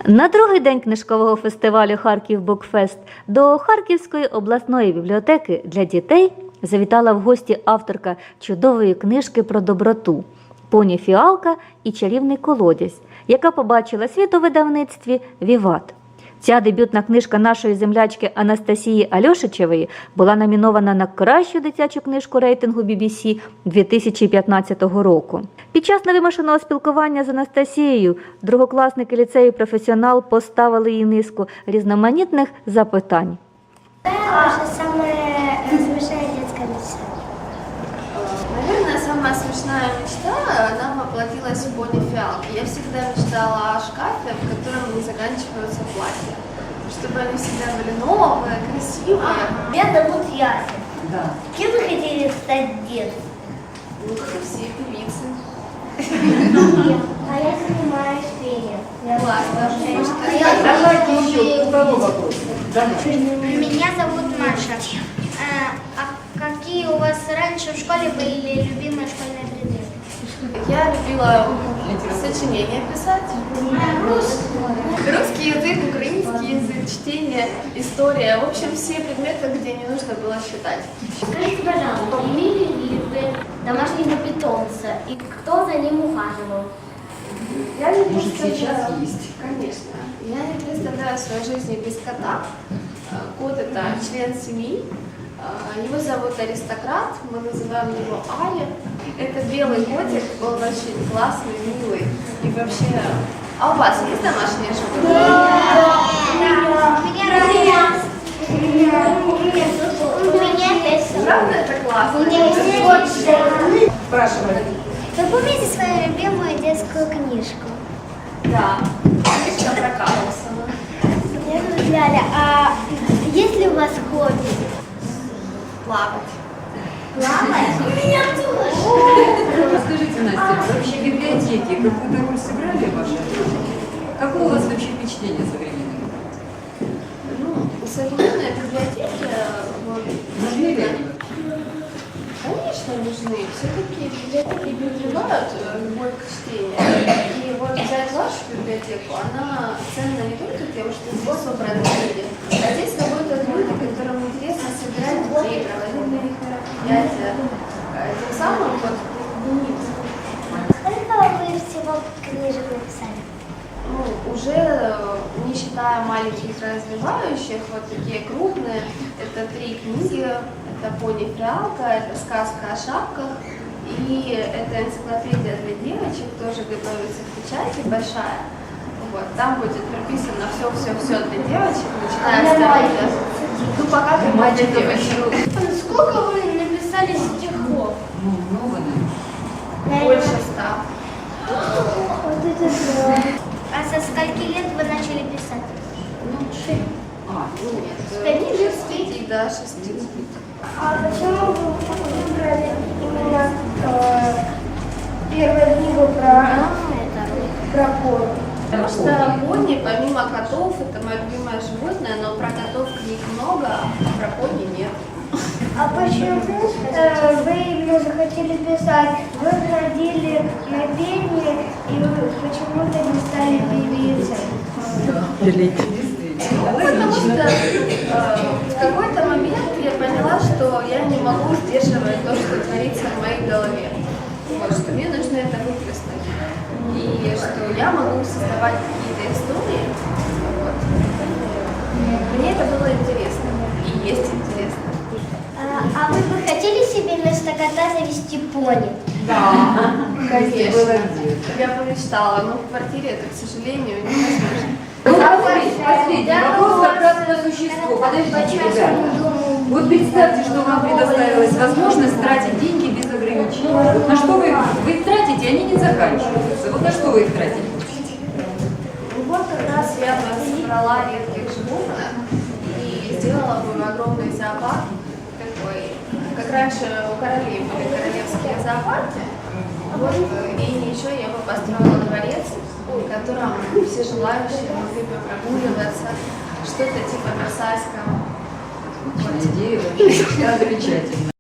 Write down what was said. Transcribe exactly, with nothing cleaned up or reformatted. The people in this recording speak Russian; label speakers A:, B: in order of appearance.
A: На другий день книжкового фестивалю «Харків Букфест» до Харківської обласної бібліотеки для дітей завітала в гості авторка чудової книжки про доброту «Поні Фіалка і чарівний колодязь», яка побачила світ у видавництві «Віват». Ця дебютна книжка нашої землячки Анастасії Альошичевої була номінована на кращу дитячу книжку рейтингу бі бі сі дві тисячі п'ятнадцятого року. Під час невимушеного спілкування з Анастасією другокласники ліцею «Професіонал» поставили їй низку різноманітних запитань.
B: Ваша самая смешная детская мечта?
C: Наверное, самая смешная мечта, она воплотилась в «Пони Фиалки». Я всегда мечтала о шкафе, в котором не заканчиваются платья. Чтобы они всегда были новые, красивые.
B: Меня зовут Яся.
D: Да.
B: Кем вы хотели стать в детстве?
C: Ну, как и все певицы.
B: А я занимаюсь пением.
C: Классно.
D: Давайте еще второй вопрос.
B: Меня зовут Маша. А какие у вас раньше в школе были любимые школьные предметы?
C: Я любила сочинения писать. Русский язык, украинский язык, чтение, история. В общем, все предметы, где не нужно было считать.
B: Скажите, пожалуйста, имели ли вы домашнего питомца и кто за ним ухаживал?
C: Я не
D: Может,
C: представляю-
D: сейчас есть?
C: Конечно. Я не представляю свою жизнь без кота. Кот – это член семьи. Его зовут Аристократ, мы называем его Али. Это белый котик, он очень классный, милый. И вообще... А у вас есть домашние животные?
B: У меня есть.
C: Правда, это классно?
D: Спрашивай.
B: Вы помните свою любимую детскую книжку?
C: Да. Книжка про Карлсона.
B: Меня зовут Ляля. А есть ли у вас хобби?
C: Плавать.
B: Плавать? У меня тоже.
D: Расскажите, Настя, вообще библиотеки какую-то роль сыграли в вашей жизни? Какое у вас вообще впечатление современное?
C: Ну, современные библиотеки, вот,
D: Нужны ли они?
C: конечно, нужны. Все-таки библиотеки прививают любовь к чтению. И вот взять вашу библиотеку, она ценна не только тем, что здесь собраны книги, а здесь работают люди, которым интересно собирать детей, проводить для них мероприятия. Тем самым вот,
B: Сколько вы всего книжек написали?
C: ну, уже не считая маленьких развивающих, вот такие крупные, это три книги. Это «Пони Фиалка», это «Сказка о шапках» и это энциклопедия для девочек, тоже готовится к печати, большая. Вот, там будет прописано все-все-все для девочек, начиная с того, ну пока только для девочек.
B: Сколько вы написали стихов?
D: Ну, много, наверное.
C: Больше ста.
B: Вот это да. А со скольки лет вы начали писать?
C: Ну, шесть.
D: А, ну,
C: Нет, лет с пяти до шести.
B: А почему вы выбрали именно э, первую книгу про, про пони?
C: Потому что пони, помимо котов, это мое любимое животное, но про котов книг много, а про пони нет.
B: А почему э, вы именно захотели писать? Вы ходили на пение и вы почему-то не стали певицей?
C: Потому что э, в какой-то момент я поняла, что я не могу сдерживать то, что творится в моей голове. Вот, что мне нужно это выплеснуть. И что я могу создавать какие-то истории. Вот. Мне это было интересно. И есть интересно.
B: А, а вы бы хотели себе вместо кота завести пони?
C: Да, конечно.
D: было где?
C: Я помечтала, но в квартире это, к сожалению, невозможно.
D: Ну, последний, последний вопрос как раз по существу. Подождите, ребята. Вот представьте, что вам предоставилась возможность тратить деньги без ограничений. Вот на что вы, вы их тратите, они не заканчиваются. Вот на что вы их тратите?
C: Ну вот как раз я бы собрала редких животных и сделала бы огромный зоопарк такой, как раньше у королей были королевские зоопарки. Вот, и еще я бы построила дворец, в котором все желающие могли бы прогуливаться, что-то типа Версальского.
D: Идея вообще замечательная.